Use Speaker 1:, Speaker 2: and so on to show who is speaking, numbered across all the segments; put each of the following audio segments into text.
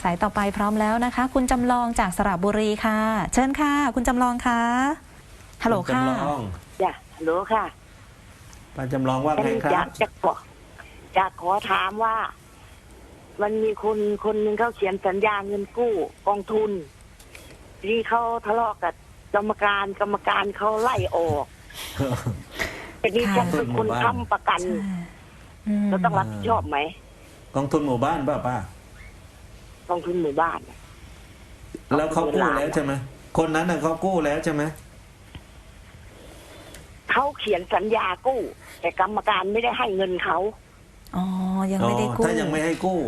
Speaker 1: ายต่อไปพร้อมแล้วนะคะคุณจำลองจากสระบุรีค่ะเชิญค่ะคุณจำลองค่ะฮัลโหลค่ะ
Speaker 2: จ้ะฮัลโหลค่ะ
Speaker 3: ป้าจำลองว่าไงครับ
Speaker 2: อยากขอถามว่า มันมีคนหนึ่งเขาเขียนสัญญาเงินกู้กองทุนที่เขาทะเลาะกับกรรมการเขาไล่ออกแต่นี่ฉันเป็นคนค้ำประกันเราต้องรับผิดชอบไหม
Speaker 3: กองทุนหมู่บ้านป่ะป้าก
Speaker 2: องทุนหมู่บ้าน
Speaker 3: แล้วเขากู้แล้วใช่ไหมคนนั้นน่ะเขากู้แล้วใช่ไหม
Speaker 2: เขาเขียนสัญญากู้แต่กรรมการไม่ได้ให้เงินเขา
Speaker 1: อ๋อยังไม่ได้กู้
Speaker 3: ถ้ายังไม่ให้กู้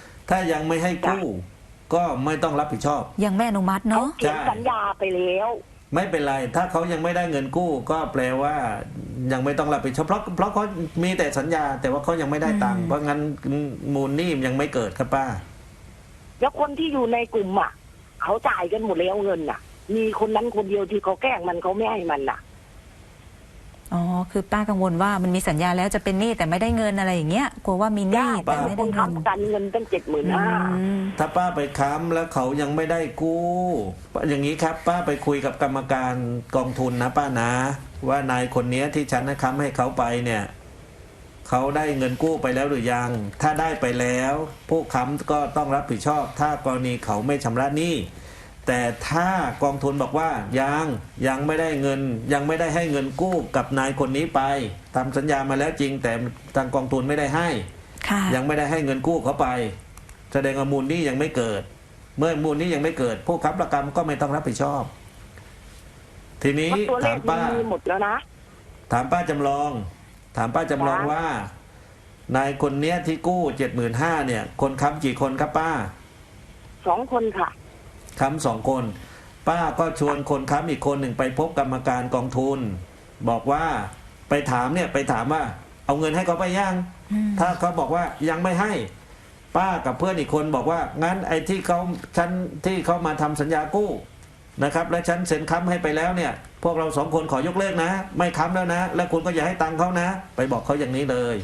Speaker 3: ก็ไม่ต้องรับผิดชอบ
Speaker 1: ยังไม่อนุมัติเนาะ
Speaker 2: เขียนสัญญาไปแล้ว
Speaker 3: ไม่เป็นไรถ้าเขายังไม่ได้เงินกู้ก็แปลว่ายังไม่ต้องรับผิดชอบเพราะเขามีแต่สัญญาแต่ว่าเขายังไม่ได้ตังค์เพราะงั้นมูลหนี้ยังไม่เกิดครับป้า
Speaker 2: แล้วคนที่อยู่ในกลุ่มอ่ะเขาจ่ายกันหมดแล้วเงินอ่ะมีคนนั้นคนเดียวที่เขาแกล้งมันเขาไม่ให้มันอ่ะ
Speaker 1: อ๋อคือป้ากังวลว่ามันมีสัญญาแล้วจะเป็นหนี้แต่ไม่ได้เงินอะไรอย่างเงี้ยกลัวว่ามีหนี้แต่ไม่ได้เงิน
Speaker 2: กันเงินตั้ง75,000
Speaker 3: ถ้าป้าไปค้ำแล้วเขายังไม่ได้กู้อย่างนี้ครับป้าไปคุยกับกรรมการกองทุนนะป้านะว่านายคนนี้ที่ฉันค้ำให้เขาไปเนี่ยเขาได้เงินกู้ไปแล้วหรือยังถ้าได้ไปแล้วผู้ค้ำก็ต้องรับผิดชอบถ้ากรณีเขาไม่ชำระหนี้แต่ถ้ากองทุนบอกว่ายังไม่ได้เงินยังไม่ได้ให้เงินกู้กับนายคนนี้ไปทำสัญญามาแล้วจริงแต่ทางกองทุนไม่ได้ให้ยังไม่ได้ให้เงินกู้เขาไปแสดงว่ามูลหนี้ยังไม่เกิดเมื่อมูลหนี้ยังไม่เกิดผู้ค้ำประกันก็ไม่ต้องรับผิดชอบทีนี้ถามป้า
Speaker 2: หมดแล้วนะ
Speaker 3: ถามป้าจำลองว่านายคนเนี้ยที่กู้75,000เนี่ยคนค้ำกี่คนครับป้า
Speaker 2: 2 คนค่ะ
Speaker 3: ค้ำ2 คนป้าก็ชวนคนค้ำอีกคนหนึ่งไปพบกรรมการกองทุนบอกว่าไปถามว่าเอาเงินให้เขาไปยังถ้าเขาบอกว่ายังไม่ให้ป้ากับเพื่อนอีกคนบอกว่างั้นไอ้ที่เขามาทำสัญญากู้นะครับและฉันเซ็นค้ำให้ไปแล้วเนี่ยพวกเรา2 คนขอยกเลิกนะไม่ค้ำแล้วนะและคุณก็อย่าให้ตังค์เขานะไปบอกเขาอย่างนี้เลย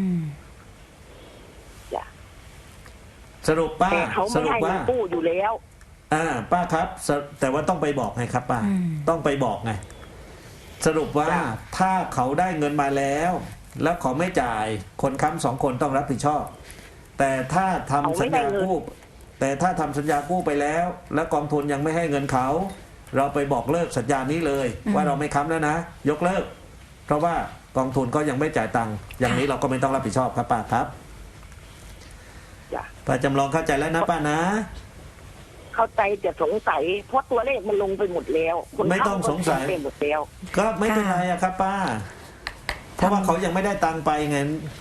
Speaker 3: สรุปป้า
Speaker 2: สรุปว่ากู้อยู่แล้ว
Speaker 3: ป้าครับแต่ว่าต้องไปบอกไงครับป้าต้องไปบอกไงสรุปว่าถ้าเขาได้เงินมาแล้วเขาไม่จ่ายคนค้ำ2 คนต้องรับผิดชอบแต่ถ้าทำสัญญากู้ไปแล้วกองทุนยังไม่ให้เงินเขาเราไปบอกเลิกสัญญานี้เลยว่าเราไม่ค้ำแล้วนะยกเลิกเพราะว่ากองทุนก็ยังไม่จ่ายตังค์อย่างนี้เราก็ไม่ต้องรับผิดชอบครับป้าครับป้าจำลองเข้าใจแล้วนะป้านะ
Speaker 2: เข้าใจแต่สงสัยเพราะตัวเลขมันลงไปหมดแล้ว
Speaker 3: ไม่ต้องสงสัย
Speaker 2: ไปหมดแล้ว
Speaker 3: ก็ไม่เป็นไรอะครับป้าเพราะว่าเขายังไม่ได้ตังค์ไปไง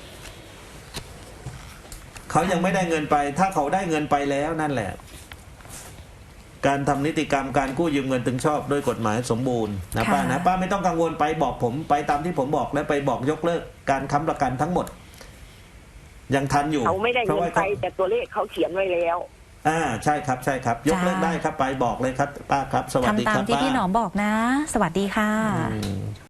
Speaker 3: เขายังไม่ได้เงินไปถ้าเขาได้เงินไปแล้วนั่นแหละการทำนิติกรรมการกู้ยืมเงินถึงชอบด้วยกฎหมายสมบูรณ์นะป้านะป้าไม่ต้องกังวลไปบอกผมไปตามที่ผมบอกแล้วไปบอกยกเลิกการค้ำประกันทั้งหมดยังทันอยู่
Speaker 2: เขาไม่ได้เงินไปแต่ตัวเลขเขาเขียนไว้แล้ว
Speaker 3: ใช่ครับยกเลิกได้ครับไปบอกเลยครับป้าครับสวัสดีครับ
Speaker 1: ทำตามที่พี่หนอมบอกนะสวัสดีค่ะ